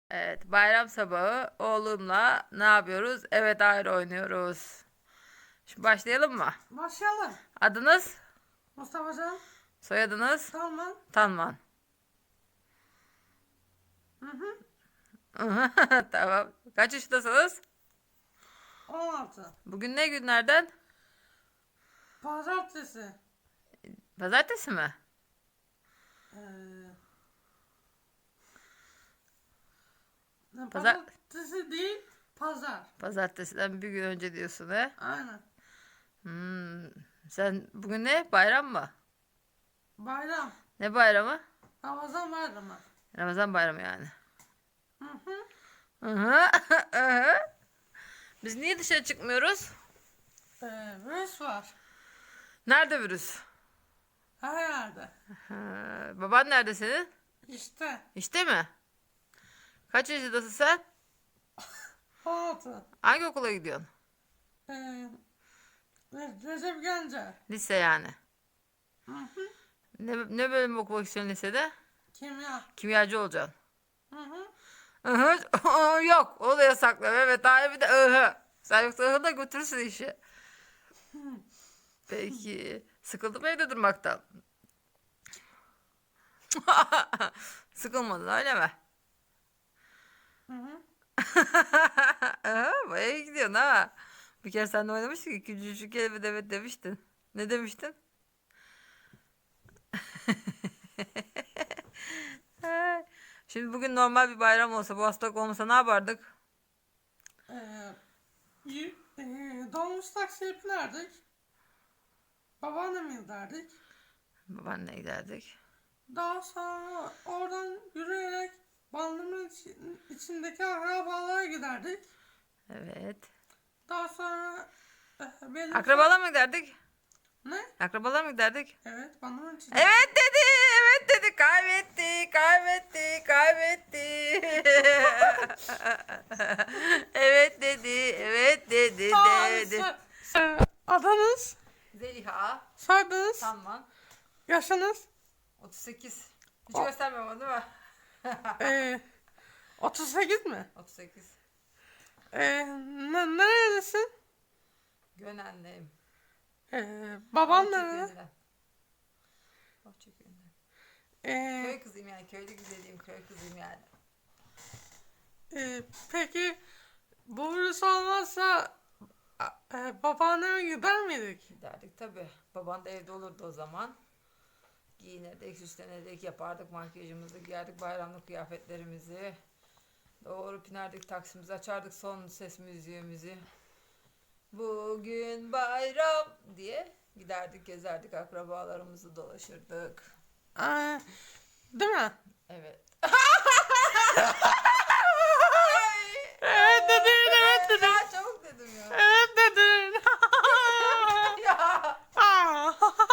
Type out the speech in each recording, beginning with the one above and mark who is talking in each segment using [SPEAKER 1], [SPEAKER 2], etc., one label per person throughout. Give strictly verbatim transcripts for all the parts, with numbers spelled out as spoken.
[SPEAKER 1] Evet, bayram sabahı oğlumla ne yapıyoruz? Evet, ayrı oynuyoruz. Şimdi başlayalım mı?
[SPEAKER 2] Başlayalım.
[SPEAKER 1] Adınız,
[SPEAKER 2] Mustafa Can.
[SPEAKER 1] soyadınız,
[SPEAKER 2] Salman.
[SPEAKER 1] Tanman.
[SPEAKER 2] Hı hı.
[SPEAKER 1] Tamam. Kaç yaşındasınız?
[SPEAKER 2] on altı.
[SPEAKER 1] Bugün ne günlerden?
[SPEAKER 2] Pazartesi.
[SPEAKER 1] Pazartesi mi?
[SPEAKER 2] Ee,
[SPEAKER 1] Pazar
[SPEAKER 2] Pazartesi değil. Pazar.
[SPEAKER 1] Pazartesiden bir gün önce diyorsun he?
[SPEAKER 2] Aynen.
[SPEAKER 1] Hmm. Sen bugün ne? Bayram mı?
[SPEAKER 2] Bayram.
[SPEAKER 1] Ne bayramı?
[SPEAKER 2] Ramazan bayramı.
[SPEAKER 1] Ramazan bayramı yani.
[SPEAKER 2] Hı hı.
[SPEAKER 1] Hı hı, hı hı. Biz niye dışarı çıkmıyoruz?
[SPEAKER 2] Ee, virüs var.
[SPEAKER 1] Nerede virüs?
[SPEAKER 2] Her yerde.
[SPEAKER 1] Ha, baban nerede senin?
[SPEAKER 2] İşte.
[SPEAKER 1] İşte mi? Kaç yaşındasın sen?
[SPEAKER 2] on altı.
[SPEAKER 1] Hangi okula gidiyorsun?
[SPEAKER 2] Ee, Re- Recep Gence.
[SPEAKER 1] Lise yani.
[SPEAKER 2] Hı hı.
[SPEAKER 1] Ne, ne bölüm okumak istiyorsun lisede?
[SPEAKER 2] Kimya.
[SPEAKER 1] Kimyacı olacaksın.
[SPEAKER 2] Hı hı.
[SPEAKER 1] Ihı, yok, o da yasaklı. Evet, hayır, bir de ıhı. Sen yoksa ıhı da götürürsün işi. Peki. Sıkıldın mı evde durmaktan? Sıkılmadın öyle mi?
[SPEAKER 2] Hı hı.
[SPEAKER 1] Aha, bayağı iyi gidiyorsun ha. Bir kere seninle oynamıştık ki küçücük evet evet demiştin. Ne demiştin? Ay, şimdi bugün normal bir bayram olsa, bu hastalık olmasa ne yapardık?
[SPEAKER 2] Ee, y- e, Dolmuş taksiye binerdik. Babaanneme giderdik.
[SPEAKER 1] Babaanne giderdik.
[SPEAKER 2] Daha sonra oradan yürüyerek bandımın içi- içindeki akrabalara giderdik.
[SPEAKER 1] Evet.
[SPEAKER 2] Daha sonra eh, benim
[SPEAKER 1] Akrabalar mı giderdik?
[SPEAKER 2] ne?
[SPEAKER 1] Akrabalar mı giderdik?
[SPEAKER 2] Evet, bandımın içinde.
[SPEAKER 1] Evet dedi, evet dedi. Kaybetti, kaybetti, kaybetti. Evet dedi, evet dedi,
[SPEAKER 2] Aa,
[SPEAKER 1] dedi.
[SPEAKER 2] so- so- adınız,
[SPEAKER 1] Zeliha,
[SPEAKER 2] soyadınız,
[SPEAKER 1] Tanman,
[SPEAKER 2] yaşınız,
[SPEAKER 1] otuz sekiz. Hiç
[SPEAKER 2] O-
[SPEAKER 1] göstermiyorum onu değil mi?
[SPEAKER 2] ee, otuz sekiz mi?
[SPEAKER 1] otuz sekiz.
[SPEAKER 2] Ee, ne, nerelisin?
[SPEAKER 1] Gönenliyim.
[SPEAKER 2] Ee, baban nerede?
[SPEAKER 1] Bahçeköy'ünden. Bahçeköy'ünden.
[SPEAKER 2] Ee,
[SPEAKER 1] Köy kızıyım yani. Köylü güzeliyim. Köy kızıyım yani.
[SPEAKER 2] e, peki bu virüs olmazsa a- e, babaanneme gider miydik?
[SPEAKER 1] Giderdik tabii. Baban da evde olurdu o zaman. Giyinirdik, süslenirdik, yapardık makyajımızı, giyerdik bayramlık kıyafetlerimizi. Doğru binerdik taksimizi, açardık son ses müziğimizi. Bugün bayram diye giderdik, gezerdik, akrabalarımızı dolaşırdık.
[SPEAKER 2] Ee, değil mi?
[SPEAKER 1] Evet.
[SPEAKER 2] Evet dedin, evet dedin.
[SPEAKER 1] Daha çabuk dedim ya.
[SPEAKER 2] Evet dedin.
[SPEAKER 1] Ya.
[SPEAKER 2] Aa.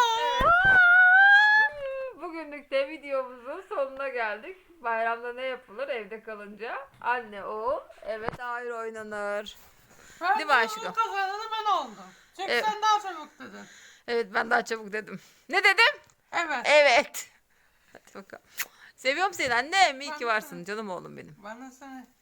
[SPEAKER 1] Bugünlük de videomuzun sonuna geldik. Bayramda ne yapılır evde kalınca? Anne, oğul, evet ayrı oynanır.
[SPEAKER 2] Ben
[SPEAKER 1] Değil mi aşkım?
[SPEAKER 2] bunun kazananı ben oldum. Çünkü
[SPEAKER 1] Evet.
[SPEAKER 2] sen daha çabuk dedin.
[SPEAKER 1] Evet, ben daha çabuk dedim. Ne dedim?
[SPEAKER 2] Evet.
[SPEAKER 1] Evet. Hadi bakalım. Seviyorum seni annem. İyi
[SPEAKER 2] Ben
[SPEAKER 1] ki
[SPEAKER 2] de
[SPEAKER 1] varsın
[SPEAKER 2] seni.
[SPEAKER 1] canım oğlum benim.
[SPEAKER 2] Ben de seni.